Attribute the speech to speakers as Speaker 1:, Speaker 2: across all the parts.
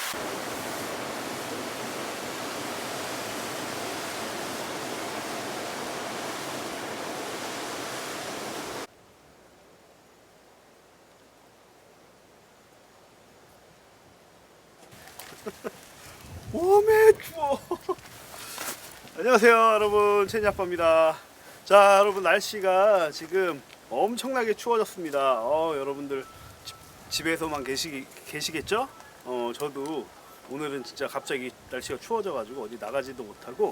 Speaker 1: 오메 추워. 안녕하세요 여러분, 채니아빠입니다. 자 여러분, 날씨가 지금 엄청나게 추워졌습니다. 여러분들 집에서만 계시겠죠? 저도 오늘은 진짜 갑자기 날씨가 추워져 가지고 어디 나가지도 못하고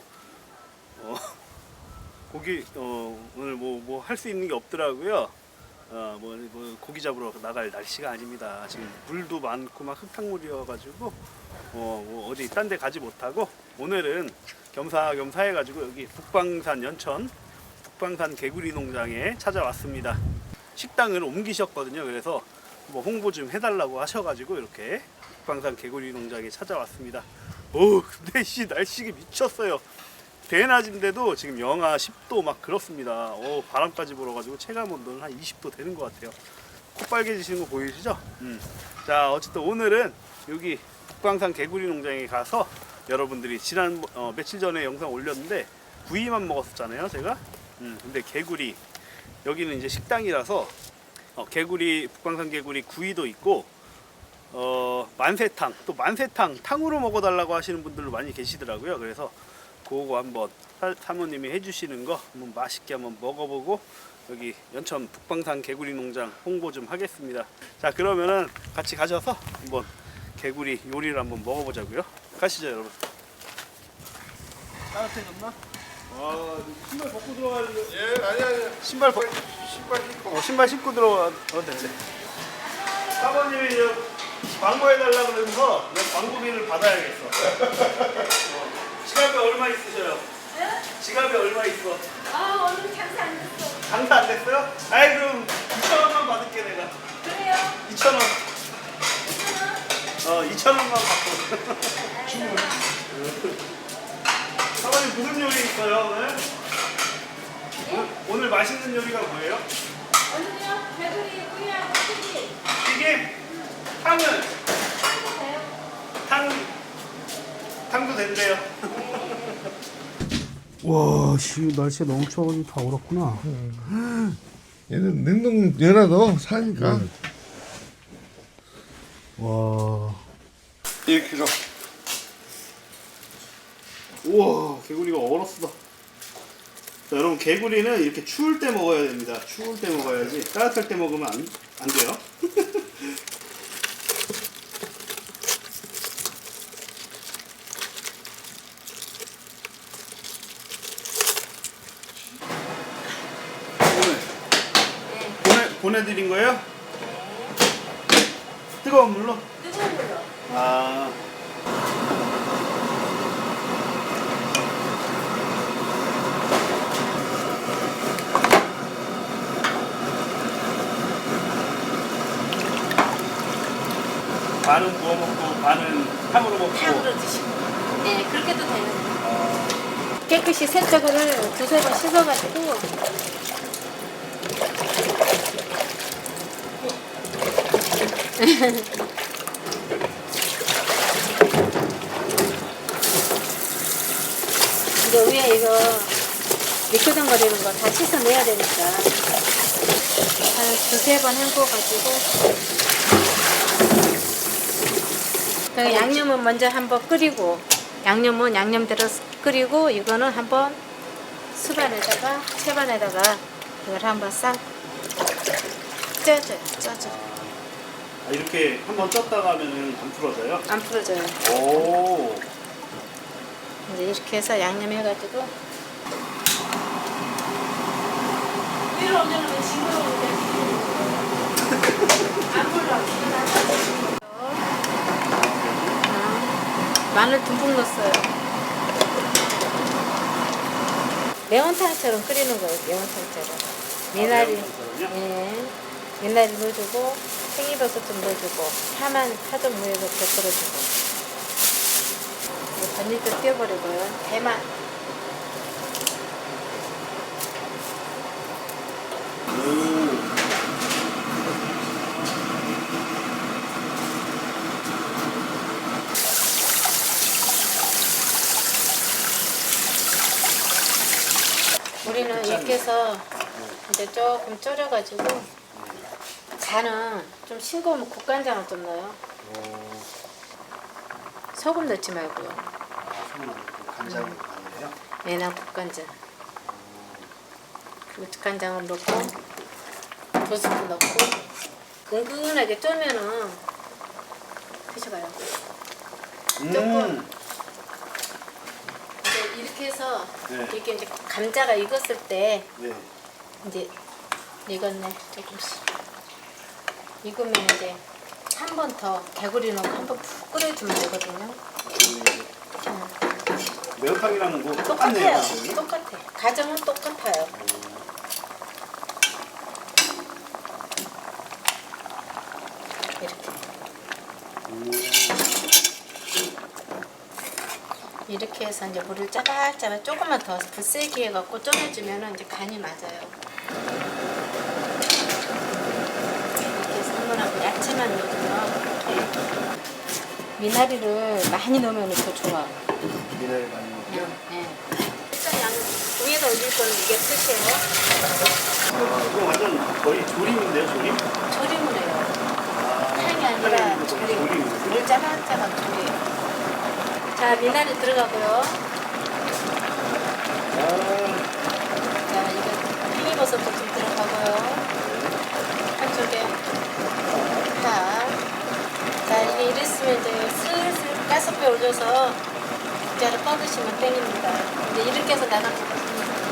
Speaker 1: 오늘 뭐 할 수 있는 게 없더라고요. 뭐 고기 잡으러 나갈 날씨가 아닙니다. 지금 물도 많고 막 흙탕물이어 가지고 뭐 어디 딴 데 가지 못하고 오늘은 겸사겸사 해가지고 여기 북방산 연천 북방산 개구리 농장에 찾아왔습니다. 식당을 옮기셨거든요. 그래서 뭐 홍보 좀 해달라고 하셔가지고 이렇게 북방산 개구리 농장에 찾아왔습니다. 근데 날씨가 미쳤어요. 대낮인데도 지금 영하 10도 막 그렇습니다. 바람까지 불어가지고 체감 온도는 한 20도 되는 것 같아요. 코 빨개지시는 거 보이시죠? 자 어쨌든 오늘은 여기 북방산 개구리 농장에 가서 여러분들이 지난 며칠 전에 영상 올렸는데 구이만 먹었었잖아요 제가. 근데 개구리, 여기는 이제 식당이라서 북방산 개구리 구이도 있고 만세탕, 또 만세탕 탕으로 먹어달라고 하시는 분들도 많이 계시더라고요. 그래서 그거 한번 사모님이 해주시는 거 한번 맛있게 한번 먹어보고 여기 연천 북방산 개구리 농장 홍보 좀 하겠습니다. 자 그러면은 같이 가셔서 한번 개구리 요리를 한번 먹어보자고요. 가시죠 여러분. 따뜻해졌나? 신발 벗고 들어가야지.
Speaker 2: 예, 아니.
Speaker 1: 신발
Speaker 2: 신고.
Speaker 1: 신발 신고 들어가도 되지. 사모님이 광고해달라 그러면서 내가 광고비를 받아야겠어. 지갑에 얼마 있으셔요?
Speaker 3: 네?
Speaker 1: 지갑에 얼마 있어?
Speaker 3: 오늘 장사 안 됐어.
Speaker 1: 장사 안 됐어요? 아이 그럼 2,000원만 받을게 내가.
Speaker 3: 그래요?
Speaker 1: 2,000원. 2,000원만 받고. 사모님 무슨 요리 있어요 오늘? 오늘 맛있는 요리가 뭐예요?
Speaker 3: 오늘요? 개구리 구이하고 튀김.
Speaker 1: 튀김? 탕은?
Speaker 3: 돼요?
Speaker 1: 탕도 된대요.
Speaker 4: 와, 날씨가 너무 추워서 다 얼었구나.
Speaker 2: 얘는 냉동 열어도 사니까.
Speaker 4: 와,
Speaker 2: 1kg.
Speaker 1: 우와, 개구리가 얼었어. 자, 여러분 개구리는 이렇게 추울 때 먹어야 됩니다. 추울 때 먹어야지 따뜻할 때 먹으면 안 돼요. 보내드린 거예요? 뜨거운 물로?
Speaker 3: 뜨거운 물로.
Speaker 1: 아. 반은 구워 먹고 반은 탕으로 먹고.
Speaker 3: 탕으로 드시고. 네, 그렇게도 되는. 깨끗이 세척을 두세 번 씻어가지고. 이제 위에 이거 미끄덩거리는 거 다 씻어내야 되니까 한 두세 번 헹궈가지고 양념은 먼저 한번 끓이고 양념은 양념대로 끓이고 이거는 한번 수반에다가 채반에다가 이걸 한번 싹 쪄줘요.
Speaker 1: 이렇게 한번 쪘다가 하면은 안 풀어져요?
Speaker 3: 안 풀어져요.
Speaker 1: 오.
Speaker 3: 이제 이렇게 해서 양념 해가지고 위로 올려놓으면 징그러운데 안 불러. 마늘 듬뿍 넣었어요. 매운탕처럼 끓이는 거예요. 매운탕처럼. 미나리, 미나리 넣어주고 생이버섯 좀 넣어주고 파좀 위에서 곁들여주고 전이도 띄워버리고요. 대만. 해서 이제 조금 졸여가지고 간은 좀 싱거우면 국간장을 좀 넣어요. 소금 넣지 말고요.
Speaker 1: 간장으로 가는데요.
Speaker 3: 매나 국간장. 국간장을 넣고 2스푼 넣고 은근하게 쫄면은 드셔봐요. 조금 이제 이렇게 해서
Speaker 1: 네.
Speaker 3: 이렇게 이제 감자가 익었을 때
Speaker 1: 네.
Speaker 3: 이제 익었네 조금씩. 익으면 이제 한 번 더 개구리 넣고 한 번 푹 끓여주면 되거든요.
Speaker 1: 매운탕이랑 뭐 똑같네요.
Speaker 3: 똑같아요. 똑같아. 가정은 똑같아요. 이렇게 해서 이제 물을 짜박짜박 조금만 더 불 세게 해갖고 졸여주면은 이제 간이 맞아요. 이렇게 해서 한번하고 야채만 넣고요. 이렇게 미나리를 많이 넣으면 더 좋아.
Speaker 1: 미나리 많이 넣고요.
Speaker 3: 네. 일단 위에다 올릴 거는 이게 끝이에요.
Speaker 1: 이거 완전 거의 조림인데요, 조림?
Speaker 3: 조림을 해요. 탕이 아니라 조림. 물 짜박짜박 조림. 자, 미나리 들어가고요. 자, 이거 팽이버섯도 좀 들어가고요. 한쪽에 파. 자, 이게 이랬으면 이제 슬슬 가스불에 올려서 국자를 뻗으시면 땡깁니다. 이제 이렇게 해서 나가거든요.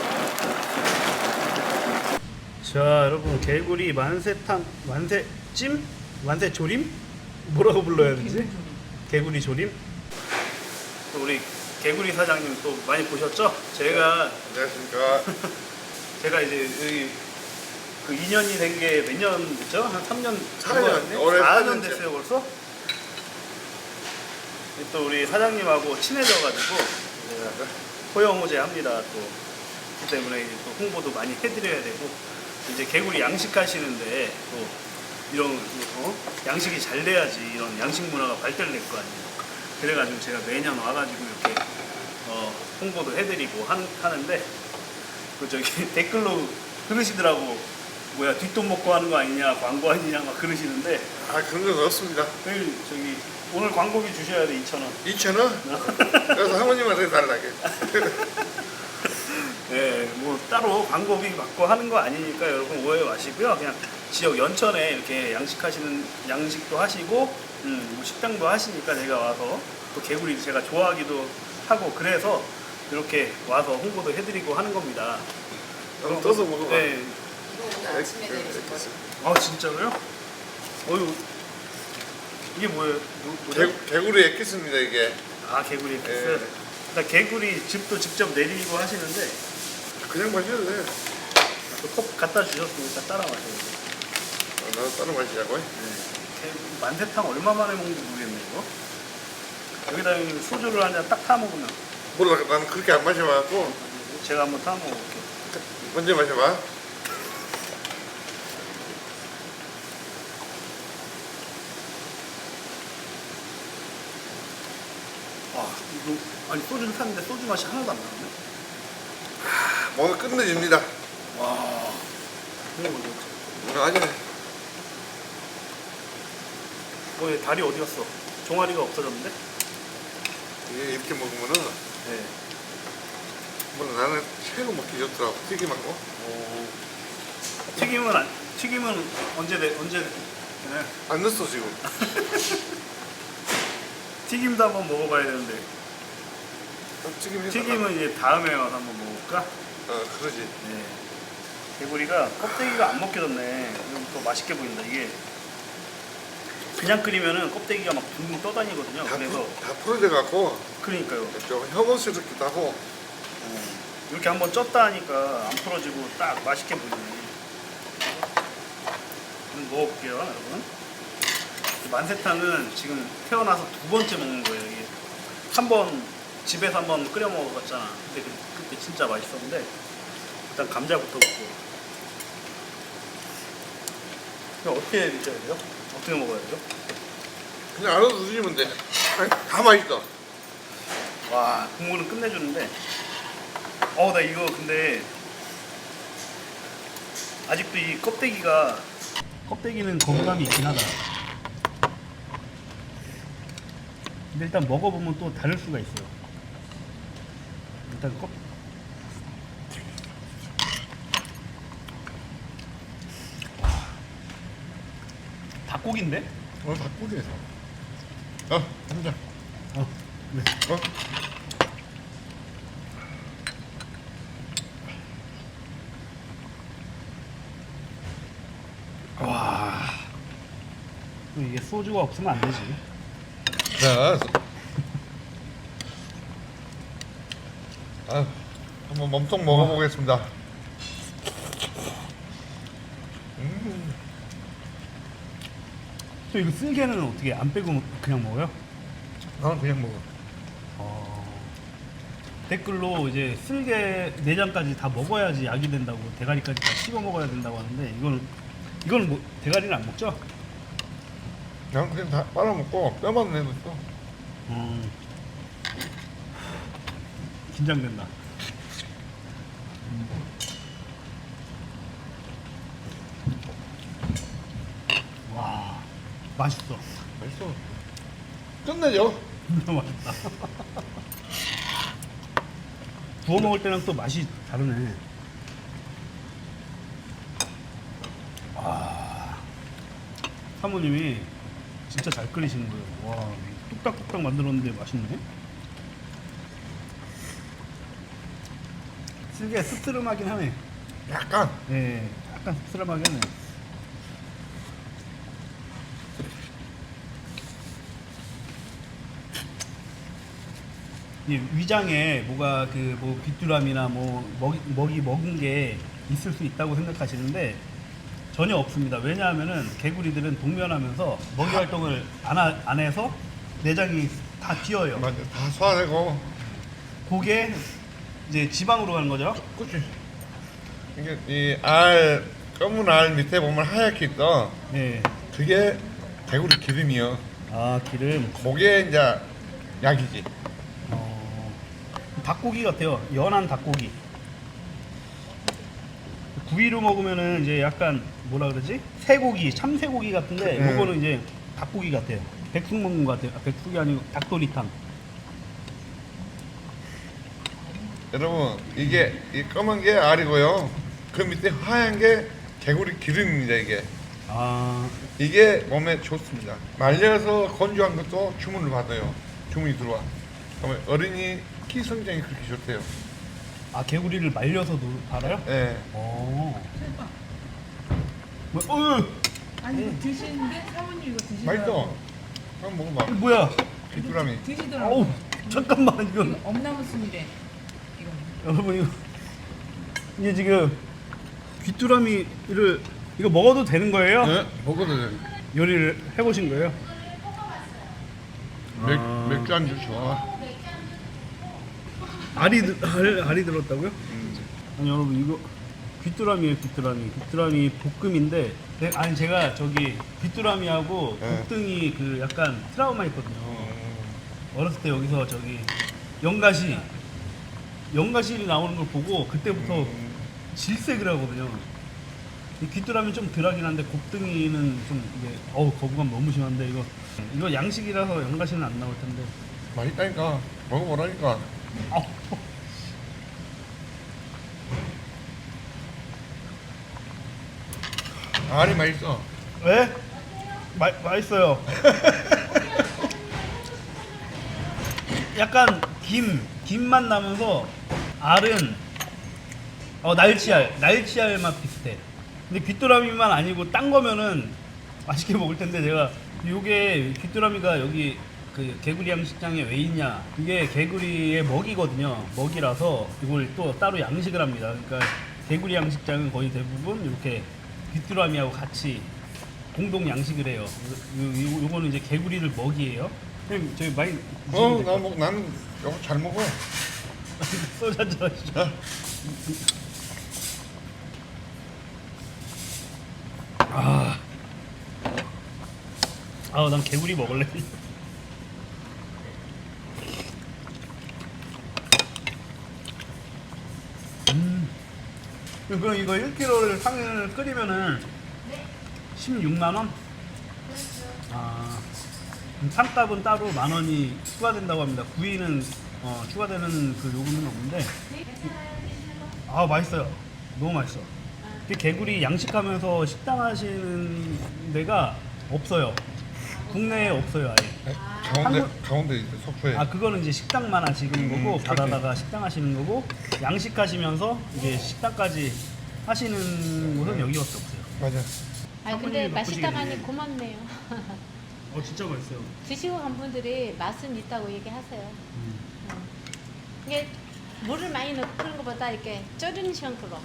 Speaker 1: 자, 여러분 개구리 만세탕, 만세찜, 만세조림 뭐라고 불러야 되지? 개구리 조림. 또 우리 개구리 사장님 또 많이 보셨죠? 제가
Speaker 2: 안녕하십니까.
Speaker 1: 제가 이제 여기 그 2년이 된 게 몇 년 됐죠? 한 3년
Speaker 2: 4년, 올해
Speaker 1: 4년
Speaker 2: 4년째.
Speaker 1: 됐어요 벌써. 또 우리 사장님하고 친해져가지고 호영호재합니다. 또 그 때문에 이제 또 홍보도 많이 해드려야 되고 이제 개구리 양식하시는데 또 이런 양식이 잘 돼야지 이런 양식 문화가 발달될 거 아니에요. 그래가지고 제가 매년 와가지고 이렇게 홍보도 해드리고 하는데 그 저기 댓글로 그러시더라고. 뭐야 뒷돈 먹고 하는 거 아니냐, 광고 아니냐 막 그러시는데
Speaker 2: 아, 그런 건 없습니다.
Speaker 1: 저기 오늘 광고비 주셔야 돼 2,000원.
Speaker 2: 2,000원? 그래서 사모님한테 달라게.
Speaker 1: 네, 뭐 따로 광고비 받고 하는 거 아니니까 여러분 오해 마시고요. 그냥 지역 연천에 이렇게 양식도 하시고 뭐 식당도 하시니까 제가 와서 또 개구리 제가 좋아하기도 하고 그래서 이렇게 와서 홍보도 해드리고 하는 겁니다.
Speaker 2: 그럼 떠서 먹어봐.
Speaker 1: 네.
Speaker 3: 아침에 내리신 거죠.
Speaker 1: 아 진짜로요? 어유 이게 뭐예요? 뭐죠?
Speaker 2: 개구리 액기스입니다, 이게.
Speaker 1: 아 개구리
Speaker 2: 네.
Speaker 1: 엑스. 나 개구리 즙도 직접 내리고 하시는데
Speaker 2: 그냥 마셔도 돼.
Speaker 1: 또 컵 갖다 주셨으니까 따라 마셔야 돼.
Speaker 2: 나도 따로 마시자고.
Speaker 1: 만세탕 얼마 만에 먹는지 모르겠네 이거. 여기다 소주를 한 잔 딱 타 먹으면.
Speaker 2: 몰라, 나는 그렇게 안 마셔봐갖고.
Speaker 1: 제가 한번 타 먹어볼게요.
Speaker 2: 먼저 마셔봐.
Speaker 1: 와 이거 아니 소주를 탔는데 소주 맛이 하나도 안 나는데.
Speaker 2: 오늘 끝내줍니다.
Speaker 1: 와 이거 뭐지?
Speaker 2: 오늘 아니네.
Speaker 1: 뭐얘 다리 어디 갔어? 종아리가 없어졌는데?
Speaker 2: 이게 이렇게 먹으면은,
Speaker 1: 네.
Speaker 2: 몰라, 나는 최고 먹기 좋더라고. 튀김하고.
Speaker 1: 튀김은 언제 네.
Speaker 2: 안 넣었어, 지금.
Speaker 1: 튀김도 한번 먹어봐야 되는데.
Speaker 2: 튀김 해서.
Speaker 1: 튀김은 이제 다음에 와서 한번 먹어볼까?
Speaker 2: 그러지.
Speaker 1: 네. 개구리가 껍데기가 안 벗겨졌네. 이거 더 맛있게 보인다. 이게 그냥 끓이면은 껍데기가 막 둥둥 떠다니거든요. 그래서
Speaker 2: 다 풀어져갖고,
Speaker 1: 그러니까요.
Speaker 2: 좀 혐오스럽기도 하고.
Speaker 1: 이렇게 한번 쪘다 하니까 안 풀어지고 딱 맛있게 보이네. 한번 먹어볼게요, 여러분. 만세탕은 지금 태어나서 2번째 먹는 거예요. 이게 한 번 집에서 한번 끓여 먹어봤잖아. 근데 그때 진짜 맛있었는데 일단 감자부터 먹고. 이거 어떻게 드셔야 돼요? 어떻게 먹어야 돼요?
Speaker 2: 그냥 알아서 드시면 돼. 아니, 다 맛있어.
Speaker 1: 와 국물은 끝내주는데 나 이거 근데 아직도 이 껍데기는 거부감이 있긴 하다. 근데 일단 먹어보면 또 다를 수가 있어요. 일단 닭고기인데?
Speaker 2: 오늘 닭고기에서. 한 잔.
Speaker 1: 네. 와. 이게 소주가 없으면 안 되지.
Speaker 2: 자, 한번 몸통 먹어보겠습니다.
Speaker 1: 또 이거 쓸개는 어떻게 안 빼고 그냥 먹어요?
Speaker 2: 나는 그냥 먹어.
Speaker 1: 댓글로 이제 쓸개 내장까지 다 먹어야지 약이 된다고, 대가리까지 다 씹어 먹어야 된다고 하는데 이거는 뭐 대가리는 안 먹죠?
Speaker 2: 나는 그냥 다 빨아먹고 뼈만 내고 있어.
Speaker 1: 긴장된다. 와, 맛있어.
Speaker 2: 맛있어. 끝내죠.
Speaker 1: 진짜 맛있다. 구워 먹을 때랑 또 맛이 다르네. 와, 사모님이 진짜 잘 끓이시는 거예요. 와, 뚝딱뚝딱 만들었는데 맛있네. 쓸개 씁쓸하긴 하네.
Speaker 2: 약간.
Speaker 1: 예, 약간 씁쓸하긴 하네. 이 위장에 뭐가 그 뭐 귀뚜라미나 뭐 먹이 먹은 게 있을 수 있다고 생각하시는데 전혀 없습니다. 왜냐하면은 개구리들은 동면하면서 먹이 활동을 안 해서 내장이 다 튀어요.
Speaker 2: 맞아. 다 소화되고.
Speaker 1: 그게 이제 지방으로 가는 거죠.
Speaker 2: 그치. 이게 이 검은 알 밑에 보면 하얗게 있어.
Speaker 1: 예.
Speaker 2: 그게 개구리 기름이요.
Speaker 1: 아, 기름.
Speaker 2: 그게 이제 약이지.
Speaker 1: 닭고기 같아요. 연한 닭고기. 구이로 먹으면은 이제 약간 뭐라 그러지? 새고기, 참새고기 같은데
Speaker 2: 네.
Speaker 1: 요거는 이제 닭고기 같아요. 백숙 먹는 것 같아요. 백숙이 아니고 닭도리탕.
Speaker 2: 여러분 이게 이 검은 게 알이고요. 그 밑에 하얀 게 개구리 기름입니다. 이게 몸에 좋습니다. 말려서 건조한 것도 주문을 받아요. 주문이 들어와. 그러면 어린이 키 성장이 그렇게 좋대요.
Speaker 1: 아, 개구리를 말려서도 팔아요?
Speaker 2: 예.
Speaker 1: 뭐,
Speaker 5: 아니 이거 드시는데 사모님 이거 드시더라고.
Speaker 2: 맛있어. 한번 먹어봐.
Speaker 1: 뭐야?
Speaker 2: 귀뚜라미.
Speaker 5: 드시더라고.
Speaker 1: 어우, 잠깐만 이거.
Speaker 5: 이거 엄나무순이래. 이거.
Speaker 1: 여러분 이게 지금 귀뚜라미를 이거 먹어도 되는 거예요?
Speaker 2: 네? 먹어도 돼.
Speaker 1: 요리를 해보신 거예요?
Speaker 2: 맥주 안주 좋아.
Speaker 1: 알이 들었다고요? 아니 여러분 이거 귀뚜라미예요. 귀뚜라미 볶음인데 아니 제가 저기 귀뚜라미하고
Speaker 2: 네.
Speaker 1: 곱등이 그 약간 트라우마 있거든요. 어렸을 때 여기서 저기 연가시 나오는 걸 보고 그때부터 질색을 하거든요. 이 귀뚜라미 좀 덜하긴 한데 곱등이는 좀 이게 거부감 너무 심한데 이거 양식이라서 연가시는 안 나올 텐데.
Speaker 2: 맛있다니까. 먹어보라니까. 알이 맛있어.
Speaker 1: 왜? 맛있어요. 약간 김맛 나면서 알은 날치알 맛 비슷해. 근데 귀뚜라미만 아니고 딴 거면은 맛있게 먹을 텐데 제가 요게 귀뚜라미가 여기 그 개구리 양식장에 왜 있냐? 이게 개구리의 먹이거든요. 먹이라서 이걸 또 따로 양식을 합니다. 그러니까 개구리 양식장은 거의 대부분 이렇게 귀뚜라미하고 같이 공동 양식을 해요. 요거는 이제 개구리를 먹이에요. 선생님 저희 많이
Speaker 2: 나는 이거 잘 먹어.
Speaker 1: 소주 한잔 하시죠. 난 개구리 먹을래. 그럼 이거 1kg를 상을 끓이면은 16만 원? 아, 그럼 상값은 따로 10,000원이 추가된다고 합니다. 구이는 추가되는 그 요금은 없는데. 아, 맛있어요. 너무 맛있어. 이게 개구리 양식하면서 식당 하시는 데가 없어요. 국내에 없어요, 아예.
Speaker 2: 가운데 있어 석소에.
Speaker 1: 아, 그거는 이제 식당만 하시는 거고
Speaker 2: 그렇지.
Speaker 1: 바다다가 식당 하시는 거고 양식하시면서 이제 식당까지 하시는 곳은 여기밖에 없어요.
Speaker 2: 맞아.
Speaker 3: 아 근데
Speaker 1: 사모님이
Speaker 3: 맛있다고
Speaker 1: 바쁘시겠네.
Speaker 3: 하니 고맙네요.
Speaker 1: 진짜 맛있어요.
Speaker 3: 드시고 간 분들이 맛은 있다고 얘기하세요. 이게 물을 많이 넣고 그런 것보다 이렇게 졸이는 형태로.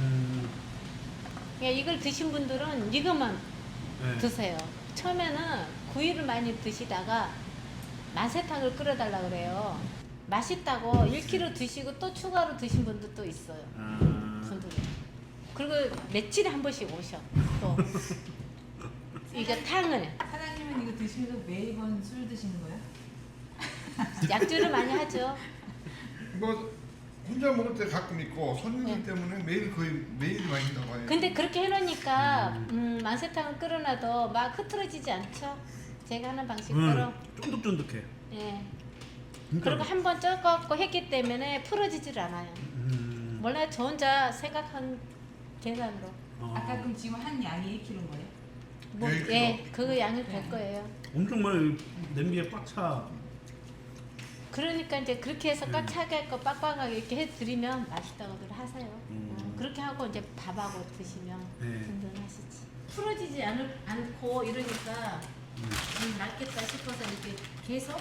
Speaker 3: 그러니까 이걸 드신 분들은 이것만
Speaker 1: 네.
Speaker 3: 드세요. 처음에는 구이를 많이 드시다가 만세탕을 끓여달라 그래요. 맛있다고 1kg 드시고 또 추가로 드신 분들도 있어요. 분들이. 그리고 며칠에 한 번씩 오셔. 또 이거 탕을
Speaker 5: 사장님은 이거 드시면서 매번 술 드시는 거예요?
Speaker 3: 약주를 많이 하죠.
Speaker 2: 뭐 혼자 먹을 때 가끔 있고 손님들 때문에 매일 거의 매일 마신다고 해요.
Speaker 3: 근데 그렇게 해놓으니까 만세탕을 끓여놔도 막 흐트러지지 않죠. 제가 하는 방식대로.
Speaker 1: 쫀득쫀득해.
Speaker 3: 예.
Speaker 1: 진짜
Speaker 3: 그리고 한 번 쪄갖고 했기 때문에 풀어지질 않아요. 몰라요. 저 혼자 생각한 계산으로.
Speaker 5: 아까 그럼 지금 한 양이 1kg인 거예요?
Speaker 3: 뭐,
Speaker 2: 네,
Speaker 3: 예, 그 양이 될 거예요.
Speaker 1: 엄청 많이 냄비에 꽉 차.
Speaker 3: 그러니까 이제 그렇게 해서 꽉 차게 했고 빡빡하게 이렇게 해드리면 맛있다고들 하세요. 그렇게 하고 이제 밥하고 드시면
Speaker 1: 네.
Speaker 3: 든든하시지. 풀어지지 않고 이러니까 낫겠다 싶어서 이렇게 계속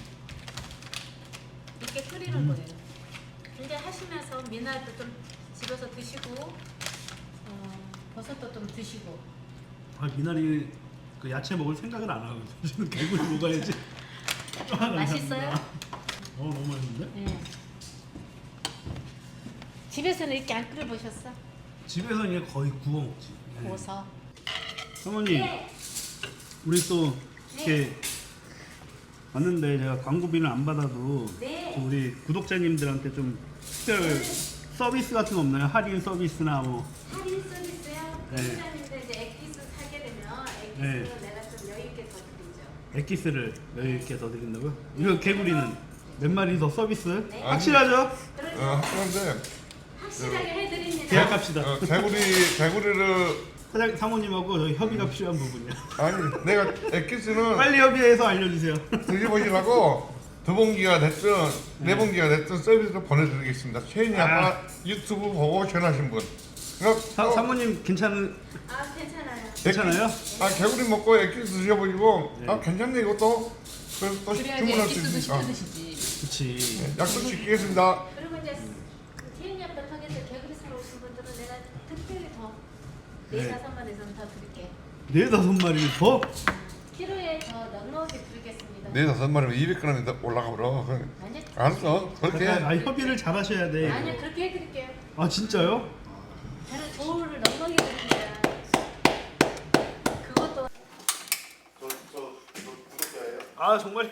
Speaker 3: 이렇게 끓이는 거예요. 이제 하시면서 미나리도 좀 집어서 드시고 버섯도 좀 드시고.
Speaker 1: 아, 미나리 그 야채 먹을 생각을 안 하고 저는 개구리 먹어야지.
Speaker 3: 맛있어요?
Speaker 1: 너무 맛있는데?
Speaker 3: 예. 집에서는 이렇게 안 끓여보셨어?
Speaker 1: 집에서 이제 거의 구워 먹지. 네.
Speaker 3: 구워서.
Speaker 1: 사모님, 우리 또 이렇게 왔는데 제가 광고비는 안 받아도
Speaker 3: 네.
Speaker 1: 좀 우리 구독자님들한테 좀 특별 서비스 같은 거 없나요? 할인 서비스나 뭐.
Speaker 3: 할인 서비스요?
Speaker 1: 네.
Speaker 3: 회장님들 이제 액기스 사게 되면 액기스는
Speaker 1: 네.
Speaker 3: 내가 좀 여유 있게 더 드리죠.
Speaker 1: 액기스를 여유 있게 더 드린다고요? 이거 개구리는 몇 마리 더 서비스?
Speaker 3: 네.
Speaker 1: 확실하죠?
Speaker 3: 그러죠?
Speaker 2: 그런데
Speaker 3: 확실하게 해드립니다.
Speaker 1: 계약합시다.
Speaker 2: 개구리를
Speaker 1: 사모님하고 저희 협의가 필요한 부분이야.
Speaker 2: 아니 내가 엑기스는
Speaker 1: 빨리 협의해서 알려주세요.
Speaker 2: 드셔보시라고 두 봉기가 됐든 네 봉기가 됐든 서비스로 보내드리겠습니다. 최인이 아빠 유튜브 보고 전화하신 분. 그러니까
Speaker 1: 사모님 괜찮아요?
Speaker 3: 괜찮아요.
Speaker 2: 아 개구리 먹고 엑기스 드셔보시고
Speaker 1: 네.
Speaker 2: 아 괜찮네 이것도 그래서 또
Speaker 5: 그래야지
Speaker 2: 주문할 수
Speaker 5: 액기스도
Speaker 2: 있으니까
Speaker 5: 시켜 드시지.
Speaker 1: 그치.
Speaker 2: 약속 지키겠습니다.
Speaker 3: 그리고 이제 태연이 아빠 통해서 개구리 사러 오신 분들은 내가 특별히 더 4-5마리에서는 더 드릴게.
Speaker 1: 4-5마리 더?
Speaker 3: 키로에 더 넉넉히 드리겠습니다.
Speaker 2: 네 다섯 마리면 200g이 올라가 버려.
Speaker 3: 아니,
Speaker 2: 알았어 그렇게.
Speaker 1: 협의를 잘 하셔야 돼.
Speaker 3: 아니요 그렇게 해드릴게요.
Speaker 1: 아 진짜요?
Speaker 3: 저는 조를 넉넉히 드립니다. 그것도
Speaker 1: 아 정말요?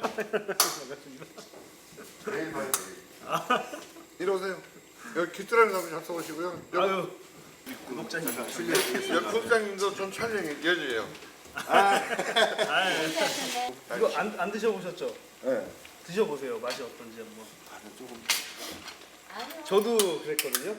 Speaker 2: 내일 봐요. 이리 오세요. 여기 귀뚜라미 잡으 잡숴보시고요.
Speaker 1: 아유 구독자님.
Speaker 2: 여기 국장님도 좀 촬영해 여주예요.
Speaker 1: 이거 안 드셔보셨죠?
Speaker 2: 네.
Speaker 1: 드셔보세요. 맛이 어떤지 한번.
Speaker 2: 조금
Speaker 3: 아니요.
Speaker 1: 저도 그랬거든요.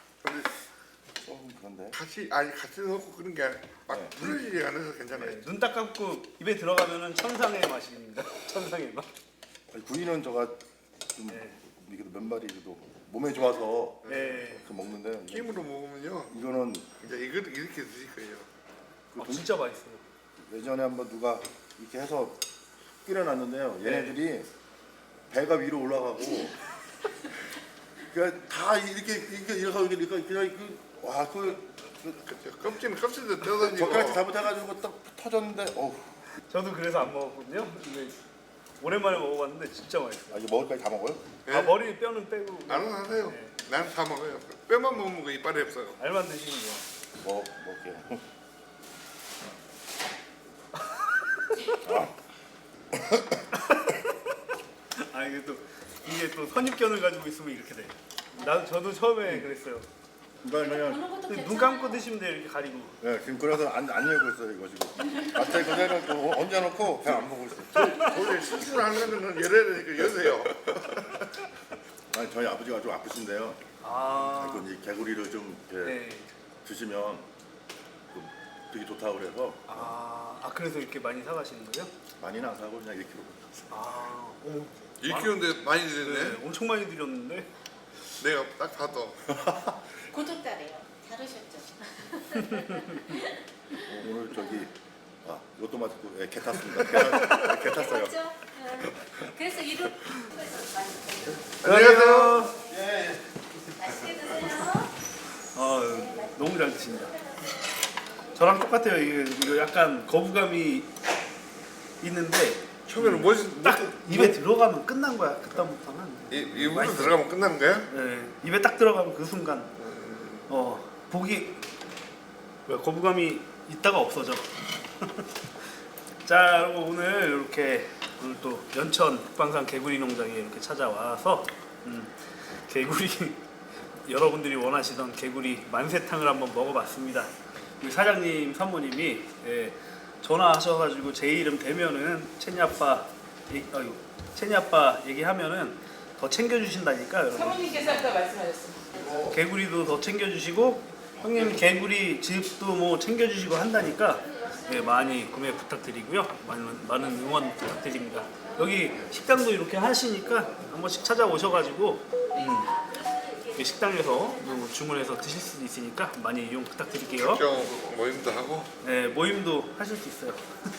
Speaker 2: 그런데 같이 넣고 그런 게 막 풀어지지 않아서 괜찮아요.
Speaker 1: 눈 딱 감고 입에 들어가면은 천상의 맛입니다. 천상의 맛.
Speaker 6: 구이는 저가 좀
Speaker 1: 네.
Speaker 6: 이게 몇 마리 그래도 몸에 좋아서
Speaker 1: 네.
Speaker 6: 그 먹는데
Speaker 2: 찜으로 먹으면요.
Speaker 6: 이거는
Speaker 2: 이제 이렇게 드실 거예요.
Speaker 1: 진짜 맛있어요.
Speaker 6: 예전에 한번 누가 이렇게 해서 끓여놨는데요. 얘네들이 배가 위로 올라가고 그러니까 다 이렇게 그냥
Speaker 2: 그렇죠. 껍질도 뜯어지고.
Speaker 6: 젓가락 잘못해가지고 딱 터졌는데
Speaker 1: 저도 그래서 안 먹었거든요. 근데 오랜만에 먹어봤는데 진짜 맛있어요.
Speaker 6: 이제 먹을까지 다 먹어요?
Speaker 2: 예?
Speaker 1: 아 머리 뼈는 빼고
Speaker 2: 알아서 하세요.
Speaker 1: 네.
Speaker 2: 나는 다 먹어요. 뼈만 먹으면 그 이빨이 없어요.
Speaker 1: 알만 드시는 거.
Speaker 6: 먹을게요.
Speaker 1: 이게 또 선입견을 가지고 있으면 이렇게 돼. 저도 처음에 그랬어요.
Speaker 6: 그냥
Speaker 3: 보는 것도
Speaker 1: 눈
Speaker 3: 괜찮아요.
Speaker 1: 감고 드시면 돼요. 이렇게 가리고.
Speaker 6: 네, 지금 그래서 안 열고 있어요 이거 지금. 마트에 그대로 얹어놓고 그냥 안 보고 있어요.
Speaker 2: 원래 수술하는 거는 열어야 되니까 여세요.
Speaker 6: 아니 저희 아버지가 좀 아프신데요.
Speaker 1: 아.
Speaker 6: 이 개구리를 좀 이렇게
Speaker 1: 네.
Speaker 6: 드시면 좀 되게 좋다고 그래서
Speaker 1: 그래서 이렇게 많이 사가시는 거예요?
Speaker 6: 많이는 안 사고 그냥 1kg.
Speaker 1: 아. 오.
Speaker 2: 1kg인데 많이 드렸네.
Speaker 1: 네, 엄청 많이 드렸는데.
Speaker 2: 내가 딱 봐도.
Speaker 3: 구독자래요. 잘하셨죠?
Speaker 6: 오늘 저기 로또 맞고 개 탔습니다. 개 탔어요.
Speaker 3: 그렇죠? 그래서 이런
Speaker 1: 안녕하세요.
Speaker 3: 맛있게 드세요.
Speaker 1: 너무 잘 드신다. 저랑 똑같아요. 이거 약간 거부감이 있는데
Speaker 2: 처음에는 뭐지?
Speaker 1: 딱 입에 들어가면 끝난 거야. 그다음부터는.
Speaker 2: 입으로 들어가면 끝난 거야?
Speaker 1: 네, 입에 딱 들어가면 그 순간 복이 거부감이 있다가 없어져. 자, 여러분 오늘 또 연천 북방산 개구리 농장에 이렇게 찾아와서 개구리 여러분들이 원하시던 개구리 만세탕을 한번 먹어봤습니다. 우리 사장님 사모님이 전화하셔가지고 제 이름 대면은 채니 아빠 얘기하면은 더 챙겨주신다니까 여러분.
Speaker 5: 사모님께서 아까 말씀하셨어요.
Speaker 1: 개구리도 더 챙겨주시고 형님 개구리 집도 뭐 챙겨주시고 한다니까 많이 구매 부탁드리고요. 많은 응원 부탁드립니다. 여기 식당도 이렇게 하시니까 한 번씩 찾아오셔가지고 이 식당에서 주문해서 드실 수도 있으니까 많이 이용 부탁드릴게요.
Speaker 2: 경 모임도 하고.
Speaker 1: 네, 모임도 하실 수 있어요.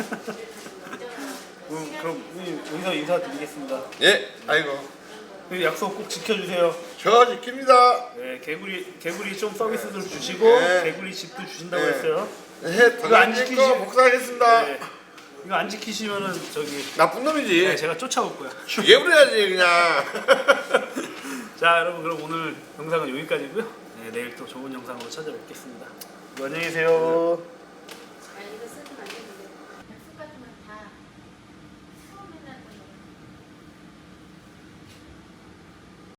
Speaker 1: 그럼 여기서 인사드리겠습니다.
Speaker 2: 예, 아이고.
Speaker 1: 약속 꼭 지켜주세요.
Speaker 2: 저 지킵니다.
Speaker 1: 네, 개구리 좀 서비스도 주시고
Speaker 2: 네.
Speaker 1: 개구리 집도 주신다고
Speaker 2: 네.
Speaker 1: 했어요.
Speaker 2: 해,
Speaker 1: 이거 안
Speaker 2: 지키시
Speaker 1: 지키시-
Speaker 2: 복사하겠습니다.
Speaker 1: 네. 이거 안 지키시면은
Speaker 2: 나쁜 놈이지.
Speaker 1: 네, 제가 쫓아올 거야.
Speaker 2: 죽여버려야지 그냥.
Speaker 1: 자, 여러분 그럼 오늘 영상은 여기까지고요. 네, 내일 또 좋은 영상으로 찾아뵙겠습니다. 안녕히 계세요.